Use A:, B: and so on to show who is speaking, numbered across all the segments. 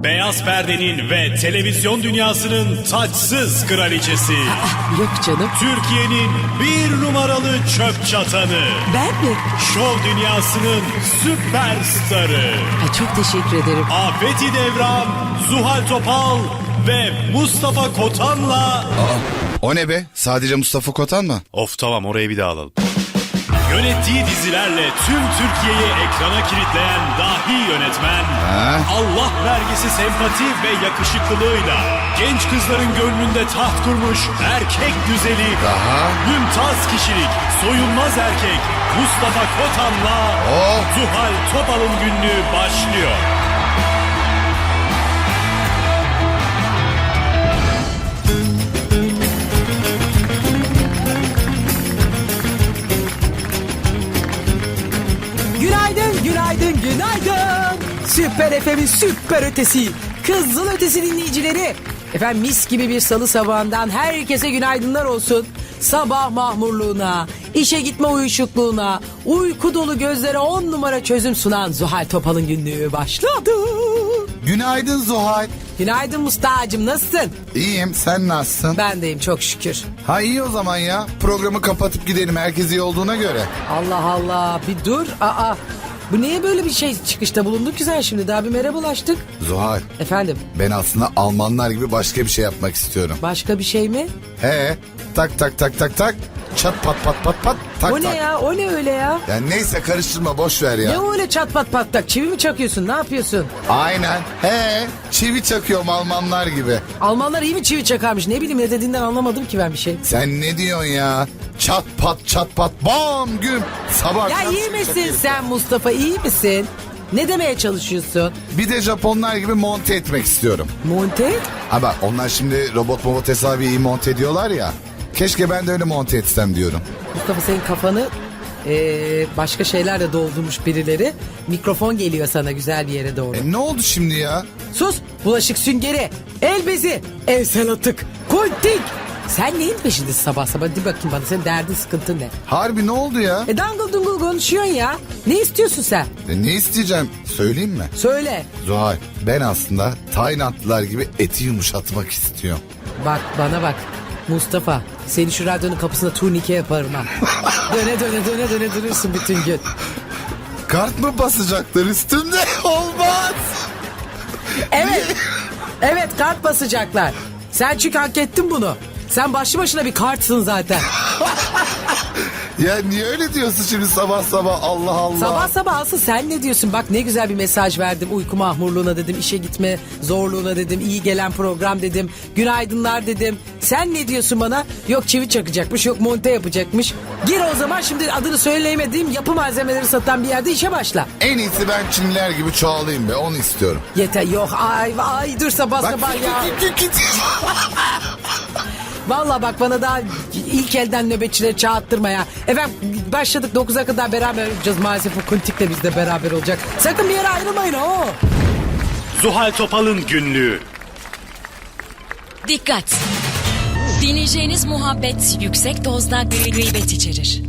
A: Beyaz perdenin ve televizyon dünyasının taçsız kraliçesi.
B: Yok canım.
A: Türkiye'nin bir numaralı çöp çatanı.
B: Ben mi?
A: Şov dünyasının süperstarı.
B: Ay, çok teşekkür ederim.
A: Afeti Devran, Zuhal Topal ve Mustafa Kotan'la...
C: O ne be? Sadece Mustafa Kotan mı?
A: Of tamam, orayı bir daha alalım. Yönettiği dizilerle tüm Türkiye'yi ekrana kilitleyen dahi yönetmen, Allah vergisi sempati ve yakışıklılığıyla genç kızların gönlünde taht kurmuş erkek güzeli, mümtaz kişilik, soyunmaz erkek Mustafa Kotan'la Zuhal Topal'ın günlüğü başlıyor.
B: Günaydın, günaydın, günaydın. Süper FM'in süper ötesi, Kızıl Ötesi dinleyicileri. Efendim, mis gibi bir salı sabahından herkese günaydınlar olsun. Sabah mahmurluğuna, işe gitme uyuşukluğuna, uyku dolu gözlere 10 numara çözüm sunan Zuhal Topal'ın günlüğü başladı.
C: Günaydın Zuhal.
B: Günaydın Mustafa'cığım, nasılsın?
C: İyiyim, sen nasılsın?
B: Ben deyim çok şükür.
C: Ha iyi o zaman ya. Programı kapatıp gidelim, herkes iyi olduğuna göre.
B: Allah Allah, bir dur. Bu niye böyle bir şey çıkışta bulunduk ki sen şimdi? Daha bir merhabalaştık.
C: Zuhal,
B: Efendim,
C: ben aslında Almanlar gibi başka bir şey yapmak istiyorum.
B: başka bir şey mi?
C: He, tak tak tak tak tak. Çat pat pat pat pat tak
B: O ne
C: tak.
B: ya? O ne öyle ya?
C: Yani neyse, karıştırma, boş ver ya.
B: Ne öyle çat pat patlak? Çivi mi çakıyorsun? Ne yapıyorsun?
C: Aynen. He, çivi çakıyorum Almanlar gibi.
B: Almanlar iyi mi çivi çakarmış? Ne bileyim, ne dediğinden anlamadım ki ben bir şey.
C: Sen ne diyorsun ya? Çat pat çat pat bam güm. Sabah
B: Ya
C: akşam
B: iyi
C: çivi
B: misin
C: çakıyorum.
B: sen Mustafa? İyi misin? Ne demeye çalışıyorsun?
C: Bir de Japonlar gibi monte etmek istiyorum.
B: Monte?
C: Ha bak, onlar şimdi robot hesabı iyi monte ediyorlar ya. Keşke ben de öyle monte etsem diyorum.
B: Mustafa, senin kafanı başka şeylerle doldurmuş birileri. Mikrofon geliyor sana güzel bir yere doğru.
C: Ne oldu şimdi ya?
B: Sus! Bulaşık süngeri, el bezi, evsel atık, kuntik. Sen neyin peşindesin sabah sabah? Hadi bakayım bana, senin derdin, sıkıntın ne?
C: Harbi ne oldu ya?
B: Dangıl dungul konuşuyorsun ya. Ne istiyorsun sen?
C: Ne isteyeceğim? Söyleyeyim mi?
B: Söyle.
C: Zuhal, ben aslında Taylandlılar gibi eti yumuşatmak istiyorum.
B: Bak bana bak. Mustafa, seni şu radyonun kapısına turnike yaparım ha. Döne döne döne döne durursun bütün gün.
C: Kart mı basacaklar üstümde? Olmaz.
B: Evet. Evet, kart basacaklar. Sen çünkü hak ettin bunu. Sen başlı başına bir kartsın zaten.
C: Ya niye öyle diyorsun şimdi sabah sabah, Allah Allah.
B: Sabah sabah asıl sen ne diyorsun? Bak ne güzel bir mesaj verdim. Uyku mahmurluğuna dedim, işe gitme zorluğuna dedim, iyi gelen program dedim, günaydınlar dedim. Sen ne diyorsun bana? Yok çivi çakacakmış, yok monte yapacakmış. Gir o zaman, şimdi adını söyleyemediğim yapı malzemeleri satan bir yerde işe başla.
C: En iyisi ben Çinliler gibi çoğalayım be, onu istiyorum.
B: Yeter, yok ay dur sabah sabah ya. Vallahi bak, bana daha ilk elden nöbetçileri çağırttırma ya. Efendim, başladık 9'a kadar beraber olacağız. Maalesef o Kuntik de bizde beraber olacak. Sakın bir yere ayrılmayın o.
A: Zuhal Topal'ın günlüğü.
D: Dikkat! Dinleyeceğiniz muhabbet yüksek dozda gıybet içerir.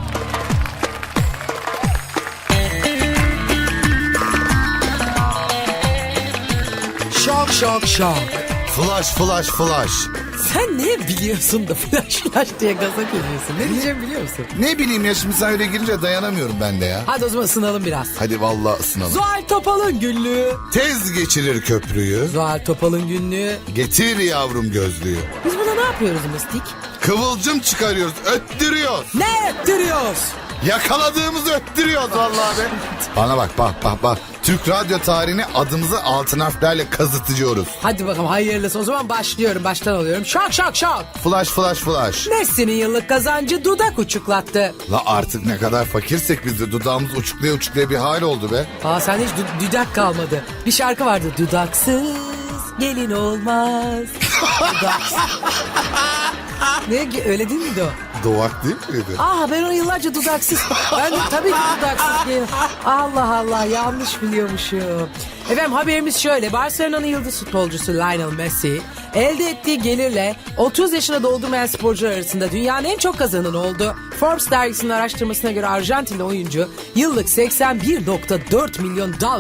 B: Şok şok şok.
C: Flash flash flash.
B: Sen ne biliyorsun da flash flash diye gaza geliyorsun? Ne diyeceğimi biliyor musun?
C: Ne bileyim ya, şimdi sen öyle girince dayanamıyorum ben de ya.
B: Hadi o zaman ısınalım biraz.
C: Hadi vallahi ısınalım.
B: Zuhal Topal'ın günlüğü.
C: Tez geçirir köprüyü.
B: Zuhal Topal'ın günlüğü.
C: Getir yavrum gözlüğü.
B: Biz buna ne yapıyoruz Mıstik?
C: Kıvılcım çıkarıyoruz, öttürüyoruz.
B: Ne ettiriyoruz?
C: Yakaladığımızı öttürüyoruz vallahi be. Bana bak bak. Türk radyo tarihini adımızı altın harflerle kazıtıyoruz.
B: Hadi bakalım, hayırlısı. O zaman başlıyorum, baştan alıyorum. Şok şok şok.
C: Flash flash flash.
B: Messi'nin yıllık kazancı dudak uçuklattı.
C: La artık ne kadar fakirsek biz de dudağımız uçuklaya uçuklaya bir hal oldu be.
B: Sende hiç dudak kalmadı. Bir şarkı vardı. Dudaksız gelin olmaz. Dudaksız. Ne, öyle değil miydi o?
C: Doğak değil miydi?
B: Ben onu yıllarca dudaksız. Ben de tabii ki dudaksız gelin. Allah Allah, yanlış biliyormuşum. Efendim, haberimiz şöyle. Barcelona'nın yıldız futbolcusu Lionel Messi elde ettiği gelirle 30 yaşına doldurmayan sporcular arasında dünyanın en çok kazananı oldu. Forbes dergisinin araştırmasına göre Arjantinli oyuncu yıllık 81,4 milyon dolar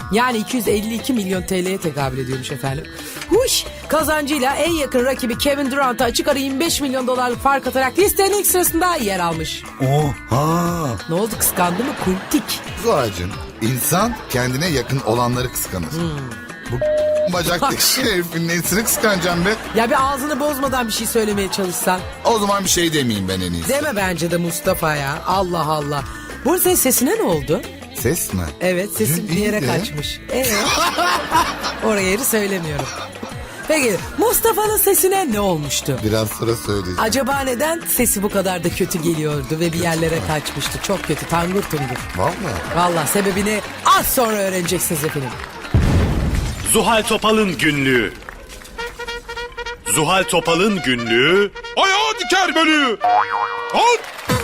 B: Yani 252 milyon TL'ye tekabül ediyormuş efendim. Huş! Kazancıyla en yakın rakibi Kevin Durant'a açık ara 25 milyon dolarlık fark atarak listenin ilk sırasında yer almış.
C: Oha.
B: Ne oldu, kıskandı mı kuntik?
C: Zuhal'cığım, insan kendine yakın olanları kıskanır. Bu bacaktaki herifin nesini kıskanacağım be?
B: Ya bir ağzını bozmadan bir şey söylemeye çalışsan.
C: O zaman bir şey demeyeyim ben en iyisi.
B: Deme bence de Mustafa ya. Allah Allah. Bu senin sesine ne oldu?
C: Ses mi?
B: Evet, sesin
C: Dün
B: bir yere
C: iyiydi.
B: kaçmış. Evet. Oraya yeri söylemiyorum. Peki Mustafa'nın sesine ne olmuştu?
C: Biraz sonra söyleyeceğim.
B: Acaba neden sesi bu kadar da kötü geliyordu ve bir yerlere kaçmıştı? Çok kötü, tangur tungur.
C: Vallahi.
B: Valla sebebini az sonra öğreneceksiniz efendim.
A: Zuhal Topal'ın günlüğü. Zuhal Topal'ın günlüğü. Ayağı diker beni. Al.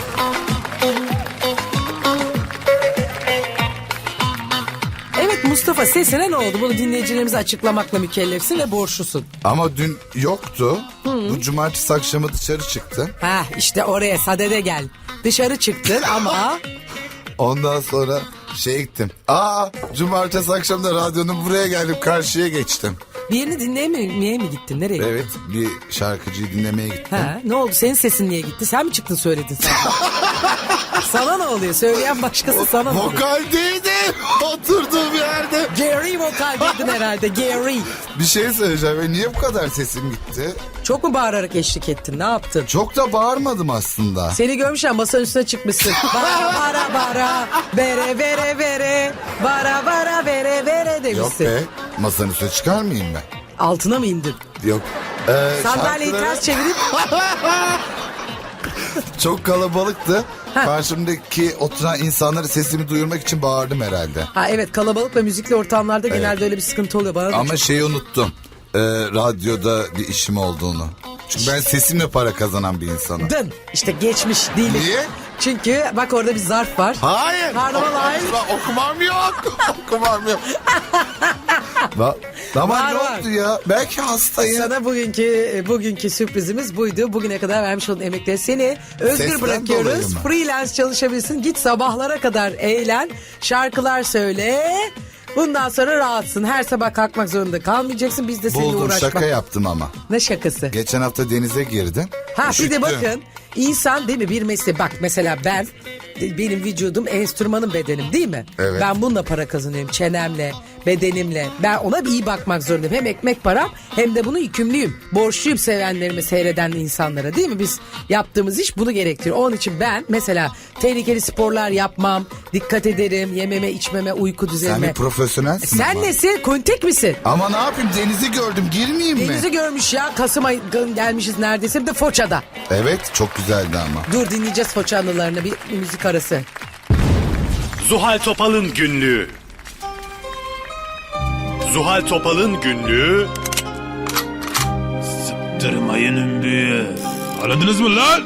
B: Evet Mustafa, sesine ne oldu? Bunu dinleyicilerimize açıklamakla mükellefsin ve borçlusun.
C: Ama dün yoktu. Bu cumartesi akşamı dışarı çıktım.
B: Ha işte oraya sadede gel. Dışarı çıktın ama...
C: Ondan sonra gittim. Cumartesi akşam da radyonun buraya geldim, karşıya geçtim.
B: Birini dinlemeye mi gittin? Nereye gittin?
C: Evet, bir şarkıcıyı dinlemeye gittim.
B: Ha, ne oldu? Senin sesin niye gitti? Sen mi çıktın söyledin sen? Sana ne oluyor? Söyleyen başkası, sana ne oluyor?
C: Vokaldeydi oturduğum yerde.
B: Gary vokaldeydin herhalde. Gary.
C: Bir şey söyleyeceğim. Niye bu kadar sesim gitti?
B: Çok mu bağırarak eşlik ettin? Ne yaptın?
C: Çok da bağırmadım aslında.
B: Seni görmüşler, masanın üstüne çıkmışsın. Bara bara bara, bere bere bere, bara bara bere bere
C: Yok
B: demişsin.
C: be, masanın üstüne çıkar mıyım ben?
B: Altına mı indin?
C: Yok.
B: Sandalyeyi
C: şarkıları
B: ters çevirip...
C: çok kalabalıktı. Karşımdaki oturan insanları sesimi duyurmak için bağırdım herhalde.
B: Ha evet, kalabalık ve müzikli ortamlarda genelde öyle bir sıkıntı oluyor. Bana da
C: Ama şeyi unuttum. Radyoda bir işim olduğunu. Çünkü ben sesimle para kazanan bir insanım.
B: Dın. İşte geçmiş değil.
C: Niye?
B: Çünkü bak orada bir zarf var.
C: Hayır.
B: Karnaval hayır.
C: Okumam yok. Okumam yok. Ama
B: Var,
C: ne
B: var.
C: oldu ya? Belki hastayım.
B: Sana bugünkü sürprizimiz buydu. Bugüne kadar vermiş olduğun emekleri seni özgür
C: Sesten dolayı
B: bırakıyoruz.
C: mı?
B: Freelance çalışabilirsin. Git sabahlara kadar eğlen. Şarkılar söyle. Bundan sonra rahatsın. Her sabah kalkmak zorunda kalmayacaksın. Biz de seninle
C: Buldum,
B: uğraşmak.
C: şaka yaptım ama.
B: Ne şakası?
C: Geçen hafta denize girdim.
B: Ha bir de
C: Üşüttüm.
B: bakın, insan değil mi bir mesleği, bak mesela benim vücudum enstrümanım, bedenim değil mi?
C: Evet.
B: Ben bununla para kazanıyorum, çenemle, bedenimle. Ben ona bir iyi bakmak zorundayım. Hem ekmek param hem de bunu yükümlüyüm. Borçluyum sevenlerime, seyreden insanlara, değil mi? Biz yaptığımız iş bunu gerektiriyor. Onun için ben mesela tehlikeli sporlar yapmam, dikkat ederim, yememe, içmeme, uyku
C: Sen
B: düzenime.
C: bir profesyonelsin
B: Sen
C: ama.
B: nesin? Kontek misin?
C: Ama ne yapayım, denizi gördüm, girmeyeyim mi?
B: Denizi görmüş ya. Kasım ayı gelmişiz neredeyse, bir de Foça'da.
C: Evet, çok güzeldi ama.
B: Dur, dinleyeceğiz Foça anılarını, bir müzik arası.
A: Zuhal Topal'ın günlüğü. Zuhal Topal'ın günlüğü. Sıktırmayın ümbüyü. Aradınız mı lan?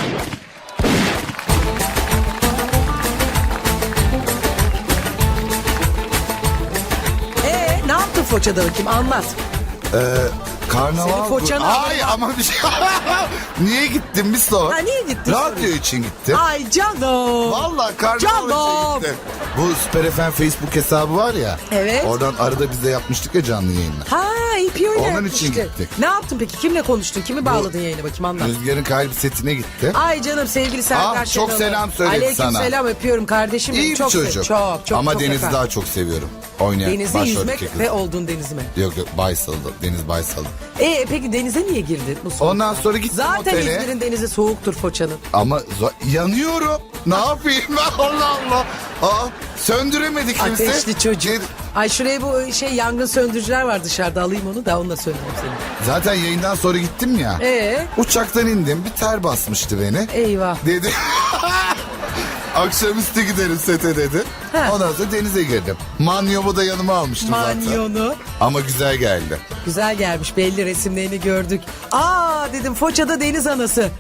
B: Ne yaptın Foça'da bakayım, anlat.
C: Karnaval...
B: Senin Foça'nı
C: Ay ama bir şey... Niye gittim bir sor.
B: Ha, niye gittin?
C: Radyo için gittim.
B: Ay canım.
C: Vallahi karnaval
B: Canım.
C: için gittim. Bu Süper FM Facebook hesabı var ya.
B: Evet.
C: Oradan arada biz de yapmıştık ya canlı yayınlar.
B: Ha, iyi oyun
C: Onun için gittik.
B: Ne yaptın peki? Kimle konuştun? Kimi bağladın yayına bakayım, anlat.
C: Rüzgar'ın kalbi setine gitti.
B: Ay canım, sevgili Serdar
C: çok
B: Şenol.
C: selam söyledi
B: Aleyküm
C: sana.
B: Selam, öpüyorum kardeşim.
C: İyi
B: benim.
C: bir
B: Çok
C: çocuk.
B: çok
C: Ama
B: çok
C: Deniz'i
B: efendim.
C: daha çok seviyorum. Oynayan
B: Denizde
C: başroldeki
B: yüzmek
C: kız.
B: ve olduğun deniz mi?
C: Yok Baysal'da. Deniz Baysal'da.
B: Peki denize niye girdin bu soğuk?
C: Ondan sonra gittim
B: Zaten
C: otele.
B: İzmir'in denizi soğuktur Foça'nın.
C: Ama yanıyorum. Ne yapayım ben, Allah Allah. Söndüremedik kimse.
B: Ateşli çocuk. Ay şuraya bu yangın söndürücüler var dışarıda, alayım onu da onunla söndüreyim seni.
C: Zaten yayından sonra gittim ya. Uçaktan indim, bir ter basmıştı beni.
B: Eyvah.
C: Dedi. Akşamüstü giderim sete dedi.
B: Ha.
C: Ondan sonra denize girdim. Manyomu da yanıma almıştım zaten.
B: Manyonu.
C: Ama güzel geldi.
B: Güzel gelmiş, belli, resimlerini gördük. Aa dedim, Foça'da deniz anası.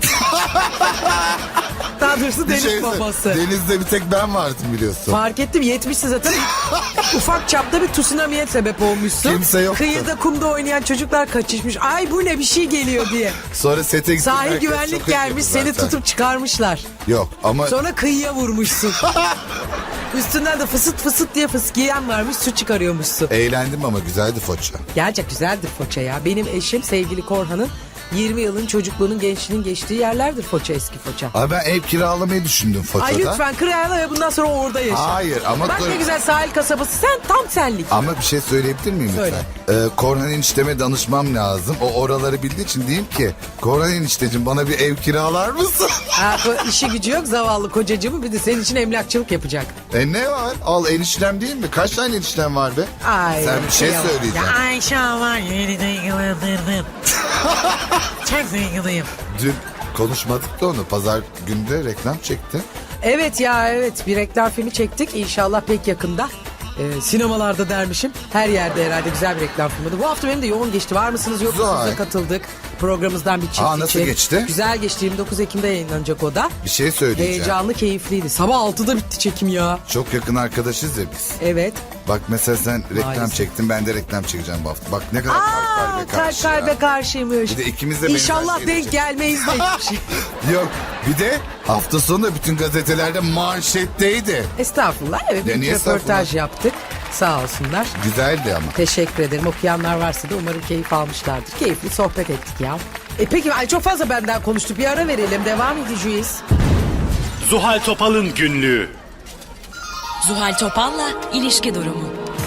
B: Daha doğrusu
C: Bir
B: deniz
C: şey
B: babası.
C: Denizde bir tek ben vardım biliyorsun.
B: Fark ettim, 70'si zaten. Ufak çapta bir tsunami'ye sebep olmuşsun.
C: Kimse yoktu.
B: Kıyıda kumda oynayan çocuklar kaçışmış. Ay bu ne, bir şey geliyor diye.
C: Sonra sete gittim.
B: Sahil
C: herkes
B: güvenlik
C: çok
B: gelmiş,
C: üzüldü
B: seni
C: zaten.
B: tutup çıkarmışlar.
C: Yok ama
B: Sonra kıyıya vurmuşsun. Üstünden de fısıt fısıt diye fıskiyen varmış, su çıkarıyormuşsun.
C: Eğlendim ama güzeldi foça.
B: Gerçek güzeldir Foça ya. Benim eşim sevgili Korhan'ın 20 yılın çocukluğunun gençliğinin geçtiği yerlerdir Foça, eski Foça.
C: Abi ben ev kiralamayı düşündüm Foça'da.
B: Ay lütfen kirayla ve bundan sonra orada yaşa.
C: Hayır ama
B: Bak
C: dur.
B: ne güzel sahil kasabası, sen tam senlik.
C: Ama bir şey söyleyebilir miyim
B: Söyle.
C: lütfen? Korhan enişteme danışmam lazım. O oraları bildiği için diyeyim ki Korhan enişteciğim bana bir ev kiralar mısın?
B: Ha, işi gücü yok zavallı kocacığımı, bir de senin için emlakçılık yapacak.
C: Ne var? Al eniştem değil mi? Kaç tane eniştem var be?
B: Ay,
C: Sen bir şey
B: kıyamam.
C: söyleyeceksin.
B: Ya Ayşe var yeni duygulandırdın. Çok duyguluyum.
C: Dün konuşmadık da onu. Pazar günde reklam çekti.
B: Evet ya, evet, bir reklam filmi çektik inşallah pek yakında. Sinemalarda dermişim. Her yerde herhalde güzel bir reklam filmiydi. Bu hafta benim de yoğun geçti. Var mısınız yok musunuz
C: Güzel.
B: da katıldık. Programımızdan bir çift
C: Aa, nasıl
B: için.
C: geçti?
B: Güzel geçti. 29 Ekim'de yayınlanacak o da.
C: Bir şey söyleyeceğim.
B: Heyecanlı, keyifliydi. Sabah 6'da bitti çekim ya.
C: Çok yakın arkadaşız ya biz.
B: Evet.
C: Bak mesela sen reklam
B: Maalesef.
C: çektin, ben de reklam çekeceğim bu hafta. Bak ne kadar
B: Aa,
C: kalbe karşı
B: kalp
C: ya.
B: kalbe karşıymış.
C: Bir de ikimiz de benzer
B: İnşallah
C: şeyleri
B: denk
C: çektik.
B: gelmeyiz de hiçbir şey.
C: Yok bir de hafta sonu bütün gazetelerde manşetteydi.
B: Estağfurullah. Evet,
C: Ya
B: bir
C: niye
B: röportaj
C: estağfurullah?
B: yaptık. Sağ olsunlar.
C: Güzeldi ama.
B: Teşekkür ederim. Okuyanlar varsa da umarım keyif almışlardır. Keyifli sohbet ettik ya. Peki ay çok fazla benden konuştuk. Bir ara verelim. Devam edeceğiz.
A: Zuhal Topal'ın günlüğü.
D: Zuhal Topal'la ilişki durumu.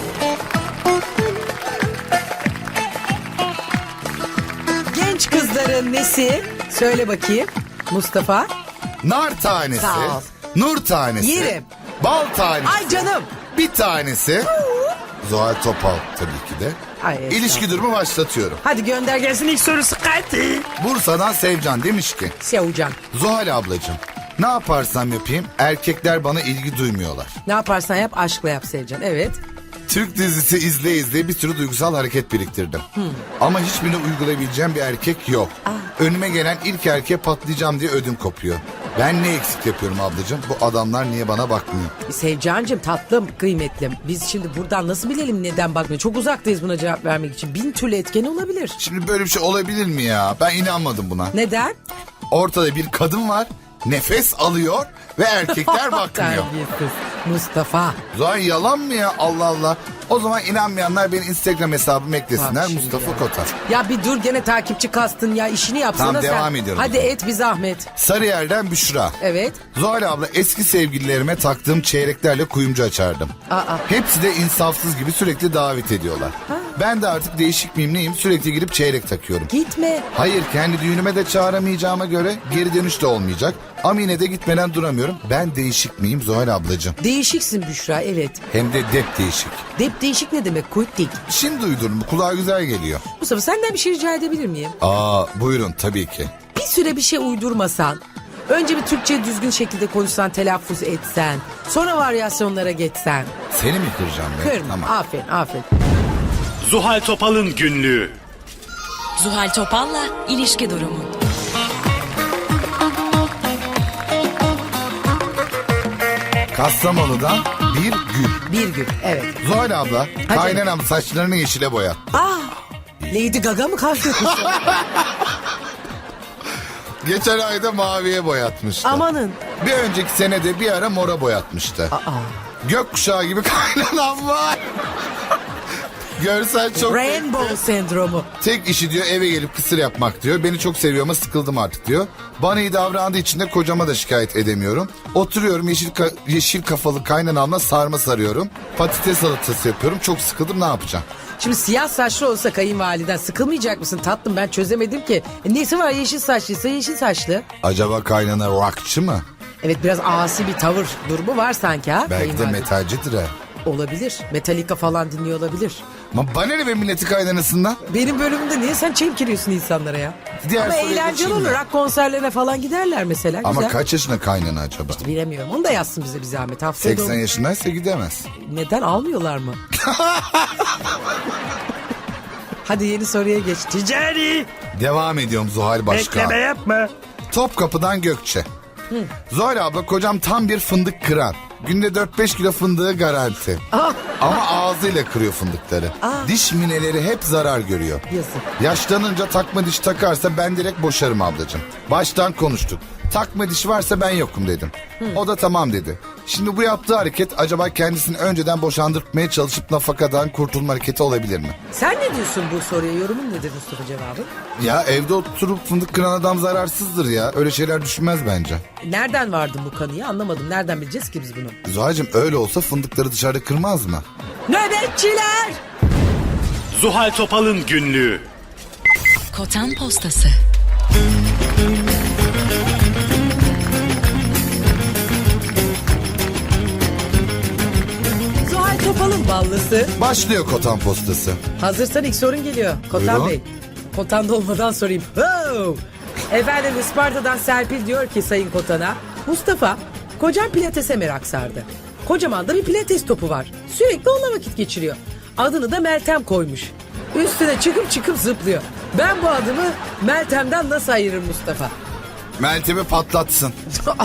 B: Genç kızların nesi? Söyle bakayım. Mustafa.
C: Nar tanesi,
B: Sağ ol.
C: nur tanesi,
B: Yerim.
C: bal tanesi,
B: Ay canım.
C: bir tanesi. Zuhal Topal tabii ki de.
B: Ay, estağfurullah.
C: İlişki durumu başlatıyorum.
B: Hadi gönder gelsin ilk sorusu. Hadi.
C: Bursa'dan Sevcan demiş ki
B: Sevcan.
C: Zuhal ablacığım ne yaparsam yapayım erkekler bana ilgi duymuyorlar.
B: Ne yaparsan yap aşkla yap Sevcan. Evet.
C: Türk dizisi izleye bir sürü duygusal hareket biriktirdim. Ama hiçbirini uygulayabileceğim bir erkek yok. Önüme gelen ilk erkeğe patlayacağım diye ödüm kopuyor. Ben ne eksik yapıyorum ablacığım? Bu adamlar niye bana bakmıyor?
B: Sevcancığım tatlım kıymetlim. Biz şimdi buradan nasıl bilelim neden bakmıyor? Çok uzaktayız buna cevap vermek için. 1000 türlü etken olabilir.
C: Şimdi böyle bir şey olabilir mi ya? Ben inanmadım buna.
B: Neden?
C: Ortada bir kadın var, nefes alıyor ve erkekler bakmıyor.
B: Terbiyesiz. Mustafa.
C: Zuhal yalan mı ya? Allah Allah. O zaman inanmayanlar benim Instagram hesabımı eklesinler.
B: Bak şimdi
C: Mustafa
B: ya.
C: Kotar.
B: Ya bir dur gene takipçi kastın ya, işini yapsana
C: Tamam,
B: sen.
C: devam ediyorum o
B: Hadi
C: zaman.
B: et bir zahmet.
C: Sarıyer'den Büşra.
B: Evet.
C: Zuhal abla eski sevgililerime taktığım çeyreklerle kuyumcu açardım.
B: Aa.
C: Hepsi de insafsız gibi sürekli davet ediyorlar. Ben de artık değişik miyim neyim sürekli girip çeyrek takıyorum.
B: Gitme.
C: Hayır kendi düğünüme de çağıramayacağıma göre geri dönüş de olmayacak. Ama yine de gitmeden duramıyorum. Ben değişik miyim Zuhal ablacığım?
B: Değişiksin Büşra, evet.
C: Hem de dep değişik.
B: Dep değişik ne demek? Kuyut dik.
C: Şimdi uydurdum bu kulağa güzel geliyor.
B: Mustafa senden bir şey rica edebilir miyim?
C: Aa buyurun tabii ki.
B: Bir süre bir şey uydurmasan. Önce bir Türkçe düzgün şekilde konuşsan, telaffuz etsen. Sonra varyasyonlara geçsen.
C: Seni mi kıracağım ben?
B: Kırma.
C: Tamam.
B: Aferin, aferin.
A: Zuhal Topal'ın günlüğü.
D: Zuhal Topal'la ilişki durumu.
C: Kastamonu'dan bir gül.
B: Bir gün, evet.
C: Zuhal abla kaynanam saçlarını yeşile boyat.
B: Lady Gaga mı kastetmişsin?
C: Geçen ayda maviye boyatmıştı.
B: Amanın.
C: Bir önceki senede bir ara mora boyatmıştı. Gökkuşağı gibi kaynanam var. Görsel çok...
B: Rainbow sendromu.
C: Tek işi diyor eve gelip kısır yapmak diyor. Beni çok seviyor ama sıkıldım artık diyor. Bana iyi davrandığı için de kocama da şikayet edemiyorum. Oturuyorum yeşil kafalı kaynanamla sarma sarıyorum. Patates salatası yapıyorum. Çok sıkıldım ne yapacağım?
B: Şimdi siyah saçlı olsa kayınvaliden sıkılmayacak mısın tatlım, ben çözemedim ki. Nesi var, yeşil saçlıysa yeşil saçlı.
C: Acaba kaynana rockçı mı?
B: Evet, biraz asi bir tavır durumu var sanki ha.
C: Belki de
B: kayınvalide.
C: metalcidir ha.
B: Olabilir. Metallica falan dinliyor olabilir.
C: Ama bana ne be milleti kaynanasından?
B: Benim bölümümde niye sen çemkiriyorsun insanlara ya?
C: Diğer
B: Ama
C: soruya
B: eğlenceli
C: geçeyim
B: olur.
C: mi?
B: Rock konserlerine falan giderler mesela.
C: Ama
B: Güzel.
C: kaç yaşında kaynana acaba?
B: Bilemiyorum. Onu da yazsın bize bir zahmet. Haftaya
C: 80
B: da-
C: yaşındaysa gidemez.
B: Neden almıyorlar mı? Hadi yeni soruya geç. Ticari.
C: Devam ediyorum Zuhal Başkan.
B: Bekleme yapma.
C: Topkapı'dan Gökçe. Zuhal abla kocam tam bir fındık kıran. Günde 4-5 kilo fındığı garanti. Ama ağzıyla kırıyor fındıkları. Diş mineleri hep zarar görüyor.
B: Yazık.
C: Yaşlanınca takma diş takarsa ben direkt boşarım ablacığım. Baştan konuştuk. Takma dişi varsa ben yokum dedim. O da tamam dedi. Şimdi bu yaptığı hareket acaba kendisini önceden boşandırmaya çalışıp nafakadan kurtulma hareketi olabilir mi?
B: Sen ne diyorsun bu soruya? Yorumun nedir Mustafa cevabın?
C: Ya evde oturup fındık kıran adam zararsızdır ya. Öyle şeyler düşünmez bence.
B: Nereden vardın bu kanıya anlamadım. Nereden bileceğiz ki biz bunu?
C: Zuhal'cığım öyle olsa fındıkları dışarıda kırmaz mı?
B: Nöbetçiler!
A: Zuhal Topal'ın günlüğü.
D: Kotan postası.
B: Zuhal Topal'ın ballısı.
C: Başlıyor Kotan postası.
B: Hazırsan ilk sorun geliyor. Kotan
C: Buyurun.
B: Bey. Kotan'da olmadan sorayım. Oh! Efendim Isparta'dan Serpil diyor ki Sayın Kotan'a. Mustafa, kocam pilatese merak sardı. Kocaman da bir pilates topu var. Sürekli onunla vakit geçiriyor. Adını da Meltem koymuş. Üstüne çıkıp zıplıyor. Ben bu adımı Meltem'den nasıl ayırırım Mustafa?
C: Meltem'i patlatsın.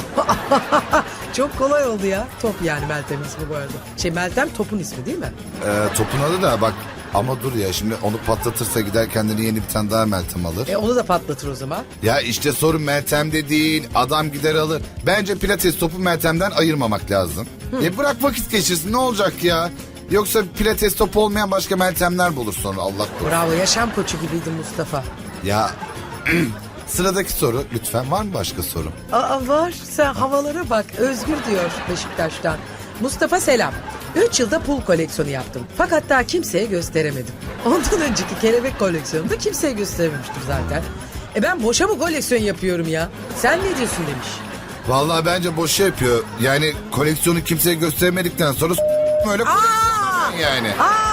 B: Çok kolay oldu ya. Top yani Meltem ismi bu arada. Meltem topun ismi değil mi?
C: Topun adı da bak ama dur ya şimdi onu patlatırsa gider kendine yeni bir tane daha Meltem alır.
B: Onu da patlatır o zaman.
C: Ya işte sorun Meltem'de değil, adam gider alır. Bence pilates topu Meltem'den ayırmamak lazım. Bırak vakit geçirsin, ne olacak ya? Yoksa pilates topu olmayan başka Meltemler bulur sonra, Allah korusun.
B: Bravo, yaşam koçu gibiydin Mustafa.
C: Ya sıradaki soru lütfen, var mı başka soru?
B: Aa var, sen havalara bak. Özgür diyor Beşiktaş'tan. Mustafa selam. 3 yılda pul koleksiyonu yaptım. Fakat daha kimseye gösteremedim. Ondan önceki kelebek koleksiyonunu da kimseye gösterememiştim zaten. Ben boşa mı koleksiyon yapıyorum ya? Sen ne diyorsun demiş.
C: Vallahi bence boşa yapıyor. Yani koleksiyonu kimseye göstermedikten sonra öyle koleksiyon yani.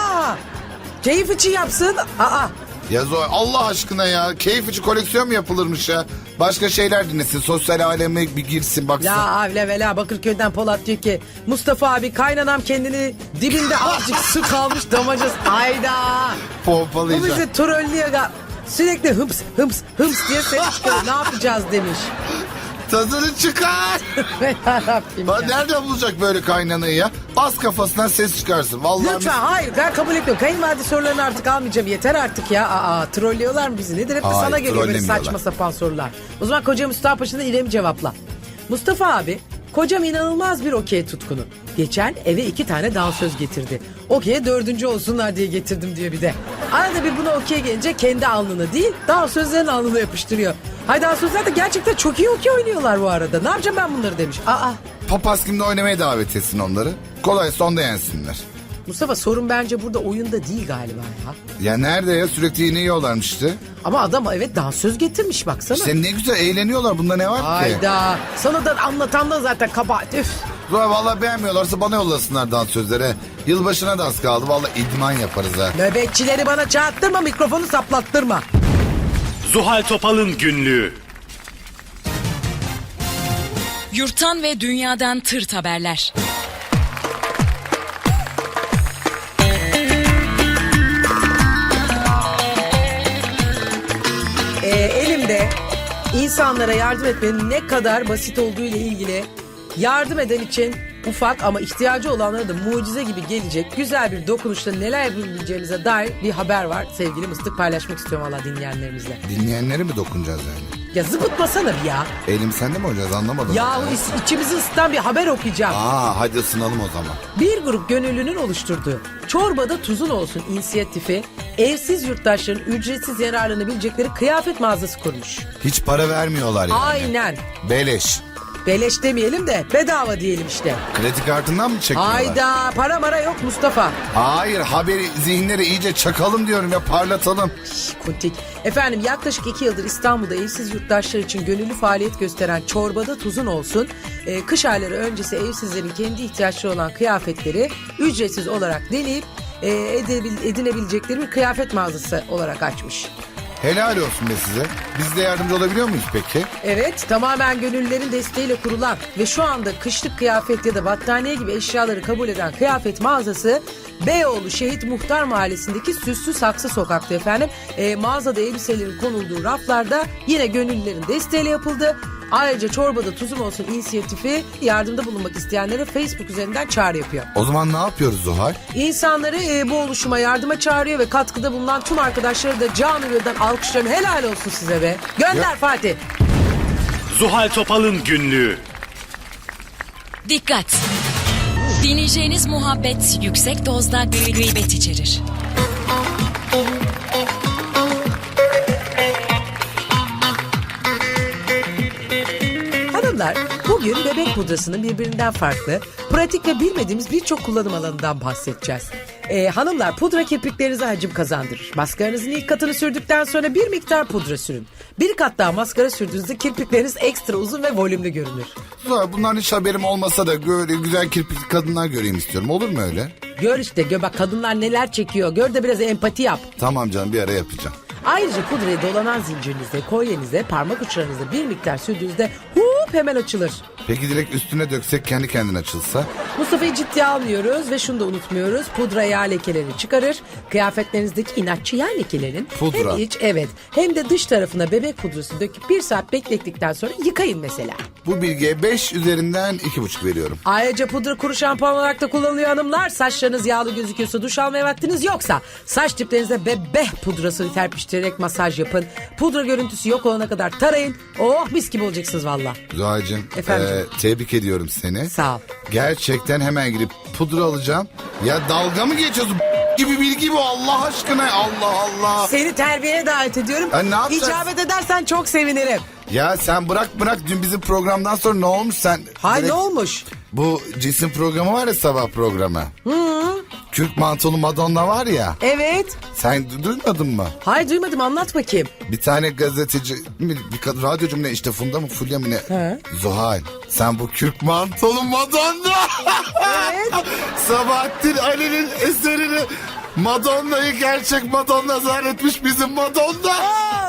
B: Keyif için yapsın.
C: Ya Zoe, Allah aşkına ya, keyif için koleksiyon mu yapılırmış ya? Başka şeyler dinlesin, sosyal aleme bir girsin baksın.
B: La avle vela Bakırköy'den Polat diyor ki Mustafa abi kaynanam kendini dibinde azıcık su kalmış damacası. Hayda. Bu
C: Pompalayacak.
B: bizi trollüyor. Sürekli hıms diye ses çıkıyor. Ne yapacağız demiş.
C: Tadını çıkar.
B: Yarabbim ya.
C: Nerede bulacak böyle kaynanayı ya? Bas kafasından ses çıkarsın. Vallahi
B: Lütfen hayır ben kabul etmiyorum. Kayınvalide sorularını artık almayacağım. Yeter artık ya. Trollüyorlar mı bizi? Nedir? Hep de
C: Hayır,
B: sana geliyor böyle
C: trollemiyorlar.
B: saçma sapan sorular. O zaman koca Mustafa Paşa'dan İrem'i cevapla. Mustafa abi, kocam inanılmaz bir okey tutkunu. Geçen eve 2 tane dansöz getirdi. Okey'e 4. olsunlar diye getirdim diyor bir de. Arada bir buna okey gelince kendi alnını değil dansözlerin alnına yapıştırıyor. Hay dansözler de gerçekten çok iyi okey oynuyorlar bu arada. Ne yapacağım ben bunları demiş.
C: papaz kimde oynamaya davet etsin onları. Kolay sonda yensinler.
B: Mustafa sorun bence burada oyunda değil galiba ya.
C: Ya nerede ya, sürekli yine yiyorlarmış işte.
B: Ama adam evet dansöz getirmiş baksana.
C: İşte ne güzel eğleniyorlar, bunda ne var ki?
B: Hayda. Sana da anlatan da zaten kabahat. Üf.
C: Zoe, vallahi beğenmiyorlarsa bana yollasınlar dansözlere. Yılbaşına da az kaldı, vallahi idman yaparız ha.
B: Nöbetçileri bana çağırttırma, mikrofonu saplattırma.
A: Zuhal Topal'ın günlüğü.
D: Yurttan ve dünyadan tırt haberler.
B: Elimde insanlara yardım etmenin ne kadar basit olduğu ile ilgili yardım eden için ufak ama ihtiyacı olanlara da mucize gibi gelecek güzel bir dokunuşla neler yapabileceğimize dair bir haber var. Sevgili Mıstık, paylaşmak istiyorum valla dinleyenlerimizle.
C: Dinleyenlere mi dokunacağız yani?
B: Ya zıpıtmasana bir ya.
C: Elim sende mi olacağız, anlamadım.
B: Yahu içimizi ısıtan bir haber okuyacağım.
C: Hadi ısınalım o zaman.
B: Bir grup gönüllünün oluşturduğu Çorbada Tuzun Olsun inisiyatifi evsiz yurttaşların ücretsiz yararlanabilecekleri kıyafet mağazası kurmuş.
C: Hiç para vermiyorlar yani.
B: Aynen.
C: Beleş.
B: Beleş demeyelim de bedava diyelim işte.
C: Kredi kartından mı çekiyorlar?
B: Hayda, para mara yok Mustafa.
C: Hayır, haberi zihinleri iyice çakalım diyorum ya, parlatalım.
B: Kuntik. Efendim yaklaşık 2 yıldır İstanbul'da evsiz yurttaşlar için gönüllü faaliyet gösteren Çorbada Tuzun Olsun, kış ayları öncesi evsizlerin kendi ihtiyaçları olan kıyafetleri ücretsiz olarak deneyip edinebilecekleri bir kıyafet mağazası olarak açmış.
C: Helal olsun be size. Biz de yardımcı olabiliyor muyuz peki?
B: Evet, tamamen gönüllülerin desteğiyle kurulan ve şu anda kışlık kıyafet ya da battaniye gibi eşyaları kabul eden kıyafet mağazası Beyoğlu Şehit Muhtar Mahallesi'ndeki Süslü Saksı Sokak'ta efendim. Mağazada elbiselerin konulduğu raflarda yine gönüllülerin desteğiyle yapıldı. Ayrıca Çorbada Tuzun Olsun inisiyatifi yardımda bulunmak isteyenlere Facebook üzerinden çağrı yapıyor.
C: O zaman ne yapıyoruz Zuhal?
B: İnsanları bu oluşuma yardıma çağırıyor ve katkıda bulunan tüm arkadaşları da canı gönülden alkışlıyorum. Helal olsun size be. Gönder
C: Ya.
B: Fatih.
A: Zuhal Topal'ın günlüğü.
D: Dikkat! Dinleyeceğiniz muhabbet yüksek dozda gıybet içerir.
B: Hanımlar, bugün bebek pudrasının birbirinden farklı, pratik ve bilmediğimiz birçok kullanım alanından bahsedeceğiz. Hanımlar, pudra kirpiklerinize hacim kazandırır. Maskaranızın ilk katını sürdükten sonra bir miktar pudra sürün. Bir kat daha maskara sürdüğünüzde kirpikleriniz ekstra uzun ve volümlü görünür.
C: Zuhal, bundan hiç haberim olmasa da böyle güzel kirpikli kadınlar göreyim istiyorum. Olur mu öyle?
B: Gör işte, gör bak kadınlar neler çekiyor. Gör de biraz empati yap.
C: Tamam canım, bir ara yapacağım.
B: Ayrıca pudrayı dolanan zincirinize, kolyenize, parmak uçlarınıza bir miktar sürdüğünüzde hemen açılır.
C: Peki direkt üstüne döksek kendi kendine açılsa?
B: Mustafa'yı ciddiye almıyoruz ve şunu da unutmuyoruz. Pudra yağ lekelerini çıkarır. Kıyafetlerinizdeki inatçı yağ lekelerin
C: Pudra.
B: hem iç hem de dış tarafına bebek pudrası döküp 1 saat beklettikten sonra yıkayın mesela.
C: Bu bilgiye 5 üzerinden 2,5 veriyorum.
B: Ayrıca pudra kuru şampuan olarak da kullanılıyor hanımlar. Saçlarınız yağlı gözüküyorsa, duş almaya vaktiniz yoksa saç diplerinize bebek pudrasını terpiştirerek masaj yapın. Pudra görüntüsü yok olana kadar tarayın. Oh, mis gibi olacaksınız valla.
C: Zuhal'cığım,
B: Efendim?
C: tebrik ediyorum seni.
B: Sağ ol.
C: Gerçekten hemen gidip pudra alacağım. Ya dalga mı geçiyorsun? Gibi bilgi bu, Allah aşkına. Allah Allah.
B: Seni terbiyeye davet ediyorum.
C: Ha, ne yapacağız?
B: İcabet edersen çok sevinirim.
C: Ya sen bırak. Dün bizim programdan sonra ne olmuş sen?
B: Hay
C: direkt-
B: ne olmuş?
C: Bu cisim programı var ya, sabah programı. Kürk mantolu Madonna var ya.
B: Evet.
C: Sen duymadın mı?
B: Hay duymadım, anlat bakayım.
C: Bir tane gazeteci, bir kadın radyocu mu ne, işte Funda mı Fulya mı ne?
B: He.
C: Zuhal, sen bu kürk mantolu Madonna.
B: Evet.
C: Sabahattin Ali'nin eserini, Madonna'yı gerçek Madonna zannetmiş bizim Madonna.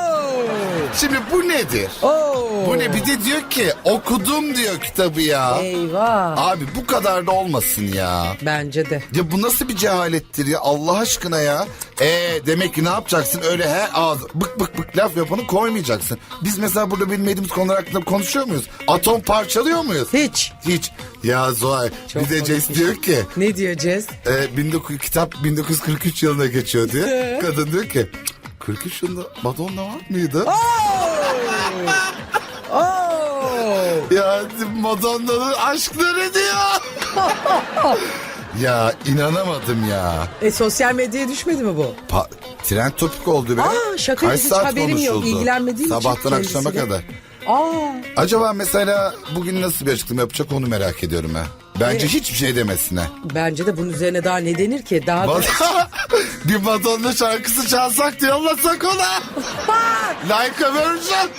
C: Şimdi bu nedir? Bu ne? Bir de diyor ki okudum diyor kitabı ya.
B: Eyvah.
C: Abi bu kadar da olmasın ya.
B: Bence de.
C: Ya bu nasıl bir cehalettir ya, Allah aşkına ya. Demek ki ne yapacaksın, öyle ağız bık bık bık laf yapanı koymayacaksın. Biz mesela burada bilmediğimiz konular hakkında konuşuyor muyuz? Atom parçalıyor muyuz?
B: Hiç.
C: Hiç. Ya Zuhal,
B: Çok
C: bir de Jess
B: komikmiş.
C: diyor ki
B: Ne diyor Cez?
C: kitap 1943 yılına geçiyor diyor. Kadın diyor ki 43 yılında Madonna var mıydı? Ya Madonna'nın aşkları diyor. Ya inanamadım ya.
B: Sosyal medyaya düşmedi mi bu?
C: Trend topik oldu be.
B: Şaka,
C: Kaç
B: hiç
C: saat
B: haberim yok.
C: konuşuldu?
B: İlgilenmediğim için
C: Sabahtan akşama
B: kendisiyle.
C: kadar.
B: Aa,
C: Acaba mesela bugün nasıl bir açıklama yapacak, onu merak ediyorum ha. Bence
B: Evet.
C: hiçbir şey demesine.
B: bence de bunun üzerine daha ne denir ki? Daha da...
C: Bir Madonna şarkısı çalsak diye yollasak ona. Like a Virgin.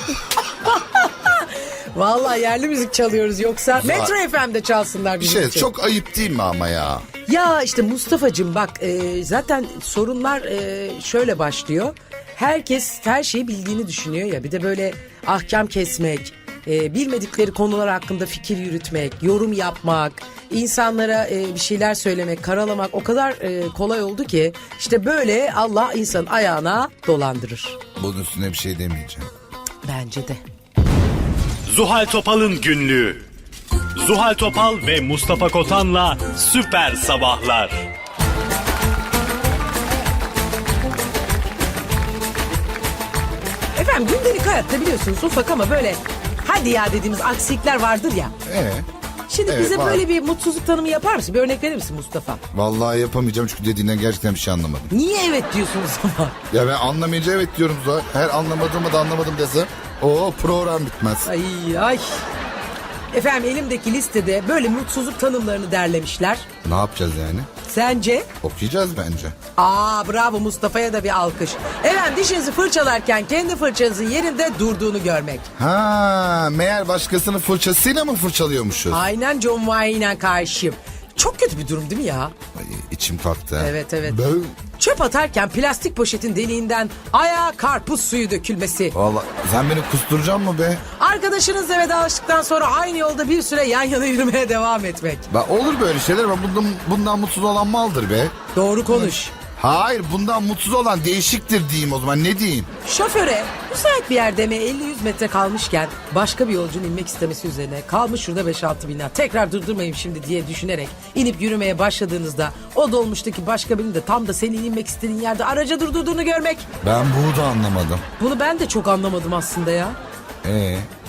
B: Vallahi yerli müzik çalıyoruz, yoksa Metro FM'de çalsınlar
C: Bir
B: bizim
C: şey
B: için.
C: çok ayıp değil mi ama ya?
B: Ya işte Mustafa'cığım bak, zaten sorunlar şöyle başlıyor. Herkes her şeyi bildiğini düşünüyor ya, bir de böyle ahkam kesmek, bilmedikleri konular hakkında fikir yürütmek, yorum yapmak, insanlara bir şeyler söylemek, karalamak o kadar kolay oldu ki işte böyle Allah insanın ayağına dolandırır.
C: Bunun üstüne bir şey demeyeceğim.
B: Bence de.
A: Zuhal Topal'ın günlüğü. Zuhal Topal ve Mustafa Kotan'la Süper Sabahlar.
B: Efendim, gündelik hayatta biliyorsunuz ufak ama böyle hadi ya dediğimiz aksilikler vardır ya. Şimdi
C: Evet,
B: bize
C: var.
B: böyle bir mutsuzluk tanımı yapar mısın? Bir örnek verir misin Mustafa?
C: Vallahi yapamayacağım çünkü dediğinden gerçekten bir şey anlamadım.
B: Niye evet diyorsunuz ama?
C: Ya ben anlamayınca evet diyorum Zuhal. Her anlamadığımı da anlamadım desem o program bitmez.
B: Ay. Efendim, elimdeki listede böyle mutsuzluk tanımlarını derlemişler.
C: Ne yapacağız yani?
B: Sence?
C: Okuyacağız bence.
B: Bravo, Mustafa'ya da bir alkış. Efendim, dişinizi fırçalarken kendi fırçanızın yerinde durduğunu görmek.
C: Meğer başkasının fırçasıyla mı fırçalıyormuşuz?
B: Aynen John Wayne'e karşıyım. Çok kötü bir durum değil mi ya?
C: Ay, içim kalktı.
B: Evet.
C: Ben...
B: Çöp atarken plastik poşetin deliğinden ayağa karpuz suyu dökülmesi.
C: Vallahi sen beni kusturacaksın mı be?
B: Arkadaşınızla vedalaştıktan sonra aynı yolda bir süre yan yana yürümeye devam etmek.
C: Olur böyle şeyler ama bundan mutsuz olan maldır be.
B: Doğru konuş.
C: Hayır, bundan mutsuz olan değişiktir diyeyim o zaman, ne diyeyim?
B: Şoföre müsait bir yerde mi 50-100 metre kalmışken başka bir yolcunun inmek istemesi üzerine kalmış şurada 5-6 bina, tekrar durdurmayayım şimdi diye düşünerek inip yürümeye başladığınızda o dolmuştaki başka birinin de tam da senin inmek istediğin yerde araca durdurduğunu görmek.
C: Ben bunu da anlamadım.
B: Bunu ben de çok anlamadım aslında ya.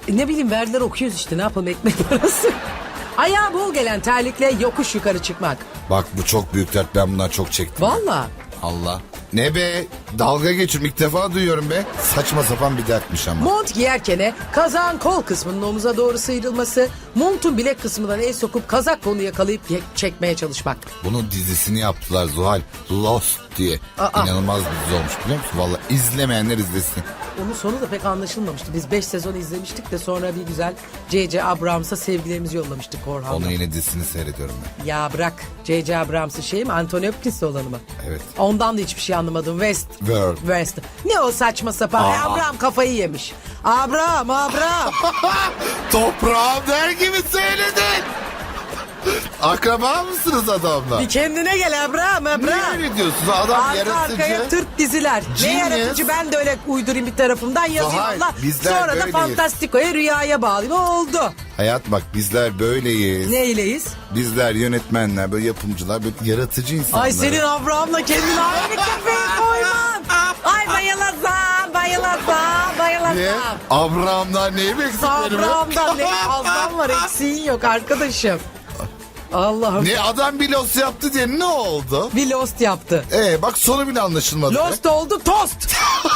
B: Ne bileyim verdiler okuyoruz işte ne yapalım ekmek parası. Ayağı bol gelen terlikle yokuş yukarı çıkmak.
C: Bak bu çok büyük dert, ben bundan çok çektim.
B: Valla.
C: Allah. Ne be? Dalga geçiyorum, ilk defa duyuyorum be. Saçma sapan bir dertmiş ama.
B: Mont giyerken kazağın kol kısmının omuza doğru sıyrılması, montun bilek kısmından el sokup kazak kolunu yakalayıp çekmeye çalışmak.
C: Bunun dizisini yaptılar Zuhal. Lost diye.
B: Aa.
C: İnanılmaz bir dizi olmuş biliyor musun? Vallahi izlemeyenler izlesin.
B: Onun sonu da pek anlaşılmamıştı. Biz 5 sezon izlemiştik de sonra bir güzel C.C. Abrams'a sevgilerimizi yollamıştık Korhan'la.
C: Onun yine dizisini seyrediyorum ben.
B: Ya bırak C.C. Abrams'ın şey mi? Anthony Hopkins'le olanı mı?
C: Evet.
B: Ondan da hiçbir şey anlamadım.
C: World.
B: West. Ne o saçma sapan? Abram kafayı yemiş. Abram.
C: Toprağım der gibi söyledin. Akraba mısınız adamla?
B: Bir kendine gel Abram.
C: Niye öyle diyorsunuz? Adam
B: Arka
C: yaratıcı.
B: arkaya Türk diziler. Ne
C: Genius.
B: yaratıcı ben de öyle uydurayım bir tarafımdan yazayım
C: Zuhal,
B: Allah.
C: bizler
B: Sonra da
C: böyleyiz.
B: Fantastiko'ya rüyaya bağlayayım. Oldu.
C: Hayat bak, bizler böyleyiz.
B: Neyleyiz?
C: Bizler yönetmenler, böyle yapımcılar, böyle yaratıcı insanlar.
B: Ay senin Abraham'la kendini aynı kafeye koyman. Ay bayılasam.
C: Ne? Abraham'dan neyi beksikleri mi?
B: Abraham'dan ne fazlan var eksiğin yok arkadaşım. Allah'ım.
C: Ne adam bir los yaptı diye ne oldu?
B: Bir Lost yaptı.
C: Bak sonu bile anlaşılmadı. be.
B: Lost oldu tost.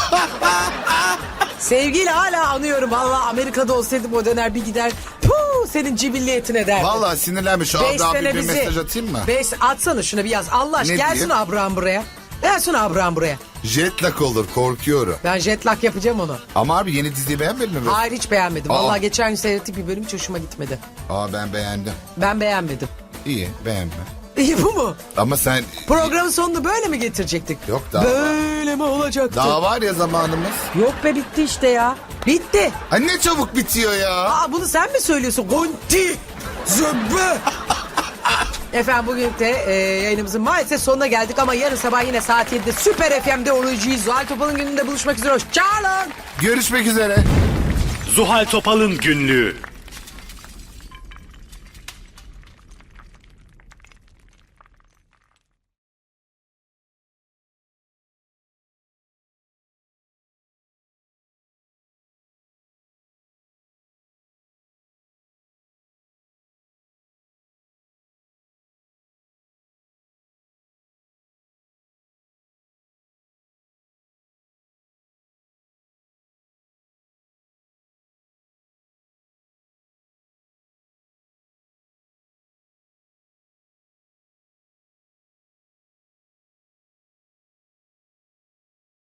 B: Sevgiyle hala anıyorum. Valla Amerika'da olsaydım o döner bir gider. Puh, senin cibilliyetine derdim.
C: Vallahi sinirlenmiş. Şu
B: 5
C: anda abi
B: sene
C: bir
B: bizi.
C: mesaj atayım mı?
B: Atsana şunu bir yaz. Allah aşkına
C: Ne
B: gelsin
C: diyeyim?
B: Abraham buraya. Gelsin Abraham buraya.
C: Jetlag olur, korkuyorum.
B: Ben jetlag yapacağım onu.
C: Ama abi yeni diziyi beğenmedin mi?
B: Hayır hiç beğenmedim.
C: Aa.
B: Vallahi geçen gün seyrettik bir bölüm hiç hoşuma gitmedi.
C: Ben beğendim.
B: Ben beğenmedim.
C: İyi, beğenme.
B: İyi bu mu?
C: Ama sen...
B: Programın sonunu böyle mi getirecektik?
C: Yok daha var.
B: Böyle mi olacaktı?
C: Daha var ya zamanımız.
B: Yok be bitti işte ya. Bitti.
C: Ay ne çabuk bitiyor ya.
B: Bunu sen mi söylüyorsun? Gonti. Zöbbü. Efendim bugün de yayınımızın maalesef sonuna geldik ama yarın sabah yine saat 7'de Süper FM'de olacağız. Zuhal Topal'ın gününde buluşmak üzere. Hoşçakalın.
C: Görüşmek üzere.
A: Zuhal Topal'ın günlüğü.